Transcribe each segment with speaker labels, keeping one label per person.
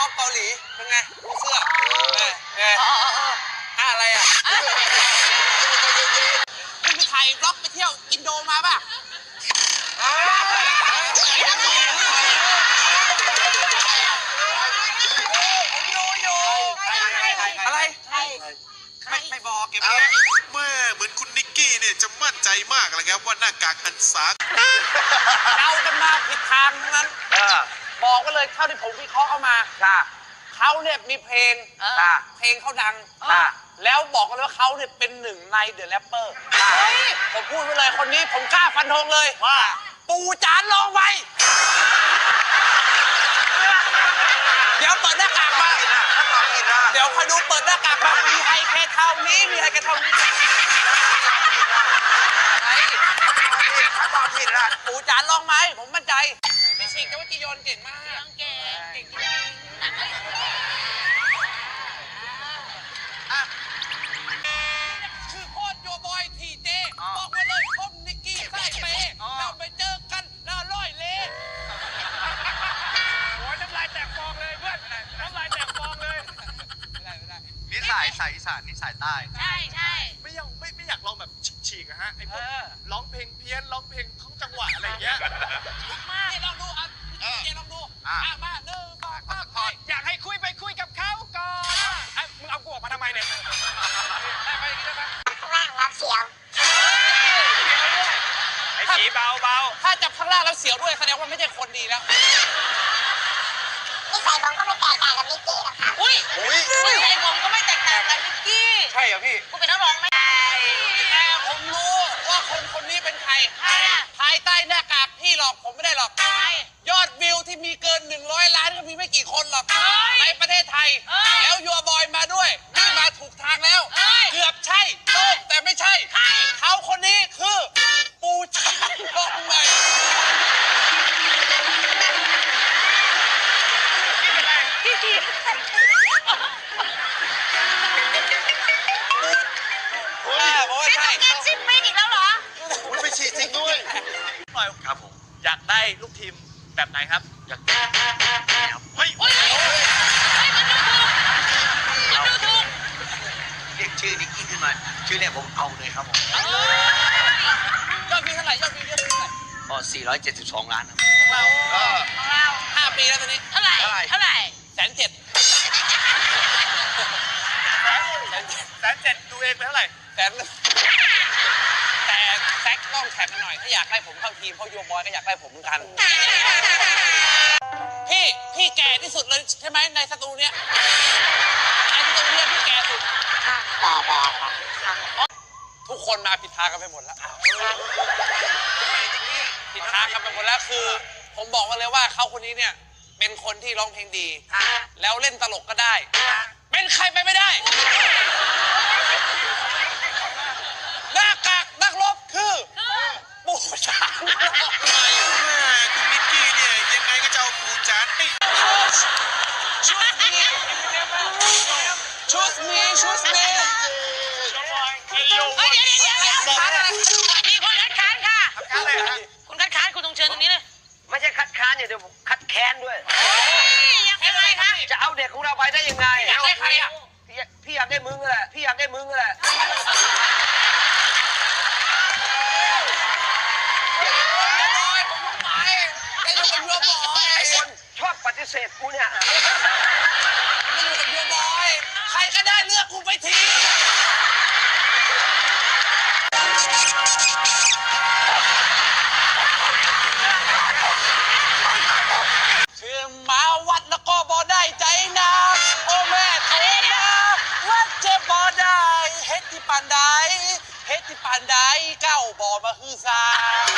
Speaker 1: องเกาหลีเป็นไงดูเสื้อไงอะไรอ่ะคุณไปถ่ายบล็อกไปเที่ยวอินโดมาป่ะผมดูอยู่อะไรไม่บอกเก็บไว้
Speaker 2: แม่เหมือนคุณนิกกี้เนี่ยจะมั่นใจมากเลยครับว่าหน้ากากหันษา
Speaker 1: เอากันมาผิดทางทั้งนั้นบอกก็เลยเท่าที่ผมวิเคราะห์เข้ามาเขาเนี่ยมีเพลงเขาดังแล้วบอกกันว่าเขาเนี่ยเป็นหนึ่งในเดอะแรปเปอร์ผมพูดไปเลยคนนี้ผมกล้าฟันธงเลยว่าปูจานลองไว้เดี๋ยวเปิดหน้ากากมาเดี๋ยวคอยดูเปิดหน้ากากมามีใครแค่เท่านี้มีใครแค่เท่านี้ถ้าตอบผิดล่ะปูจานลองไหมผมมั่นใจพี่ชิงกับว่าจียอนเก่งมากเก่งคือโคตรโยบอยทีเจบอกมาเลยผมนิกกี้ใส่เปย์เราไปเจอกันแล้วร้อยเล่โอ้ยน้ำลายแตกฟองเลยเพื่อนน้ำลายแตกฟองเลย
Speaker 3: นิสัยสายอีสานนิสัยใต้
Speaker 4: ใช่
Speaker 3: ไม่อยากลองแบบฉีกๆอะฮะไอ้พวกร้องเพลงเพี้ยนร้องเพลงท้องจังหวะอะไรอย่างเงี้ย
Speaker 1: นี่ลองดูอ่ะพี่ลองดูมา1 2 3
Speaker 4: อยากให้คุยกับเขาก่อนมึงเอากูออกมาทำไมเนี่ยได้ไหมได้ไหม
Speaker 5: ข้างล่างรับเสียง
Speaker 4: ไอ้ผีเบา
Speaker 1: ถ้าจับข้างล่างแล้วเสียวด้วยแสดงว่าไม่ใช่คนดีแล้ว
Speaker 5: นิสัยผมก็ไม่แตกต่างกับนิกกี้หรอกค่ะ
Speaker 4: นิสัยผมก็ไม่แตกต่างกับนิกกี้
Speaker 1: ใช่เหรอพี่
Speaker 4: กูเป็นนักร้องไหม
Speaker 1: แต่ผมรู้ว่าคนนี้เป็นใครภายใต้หน้ากากพี่หลอกผมไม่ได้หรอกยอดวิวที่มีเกิน100 ล้านก็มีไม่กี่คนหรอกในประเทศไทยแล้วยัวบอยมาด้วยนี่มาถูกทางแล้วเกือบใช่แต่ไม่ใช่เขาคนนี้คือปูจานลองใหม่
Speaker 4: ใช่งานชิมไม่อีกแล้วเหรอ
Speaker 3: ไปฉีดจริงด้วยครับผมอยากได้ลูกทีมแบบไหนครับอยากเฮ้ย
Speaker 4: มันดูถูก
Speaker 3: เรียกชื่อนิกกี้ขึ้นมาชื่อเนี่ยผมเอาเลยครับผม
Speaker 1: ยอดวิวเท่าไหร่ยอดวิวเท่าไหร่
Speaker 3: ก็472 ล้านครับ
Speaker 1: ของเรา5 ปีแล้วตอนนี้
Speaker 4: เท่าไหร่
Speaker 1: 107,000
Speaker 3: ดูเองไปเท่าไหร่
Speaker 1: แต่แซกต้องแข่งกันหน่อยถ้าอยากได้ผมเข้าทีมเพราะโยบอยก็อยากได้ผมเหมือนกันพี่แก่ที่สุดเลยใช่ไหมในสตูเนี้ยพี่แก่สุดทุกคนมาผิดทางกันไปหมดแล้วผิดทางกันไปหมดแล้วคือผมบอกมาเลยว่าเขาคนนี้เนี่ยเป็นคนที่ร้องเพลงดีแล้วเล่นตลกก็ได้เป็นใครไปไม่ได้หน้ากากนักรบคือปูจานคุณ
Speaker 2: นิกกี้เนี่ยยังไงก็จะเอาปูจานให้
Speaker 1: ชุดนี้
Speaker 4: เดี๋ยวมีคนคัดค้านค่ะคุณคัดค้านคุณต้องเชิญตรงนี้เลย
Speaker 3: ไม่ใช่คัดค้านเดี๋ยวผมคัดแค้นด้วย
Speaker 4: ยังไงคะ
Speaker 3: จะเอาเด็กของเราไปได้ยังไง
Speaker 1: อยากได้ใครอ่ะ
Speaker 3: พี่อยากได้มึงแหละพี่อยากได้มึงแหละชอบปฏิเสธกูเนี่ย
Speaker 1: ไม่อยู่กับโยบอยใครก็ได้เลือกกูไปทีเชื่อมาวัดแล้วก็บ่ได้ใจนะโอ้แม่โตนะวัดเจ็บบ่ได้เฮ็ดที่ปานใดเก้าบ่มาฮือซา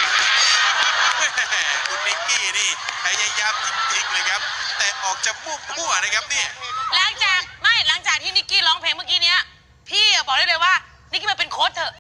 Speaker 2: คุณนิกกี้นี่พยายามจริงๆเลยครับแต่ออกจะมั่วๆนะครับเนี่ย
Speaker 4: หลังจากที่นิกกี้ร้องเพลงเมื่อกี้เนี้ยพี่บอกได้เลยว่านิกกี้มาเป็นโค้ชเถอะ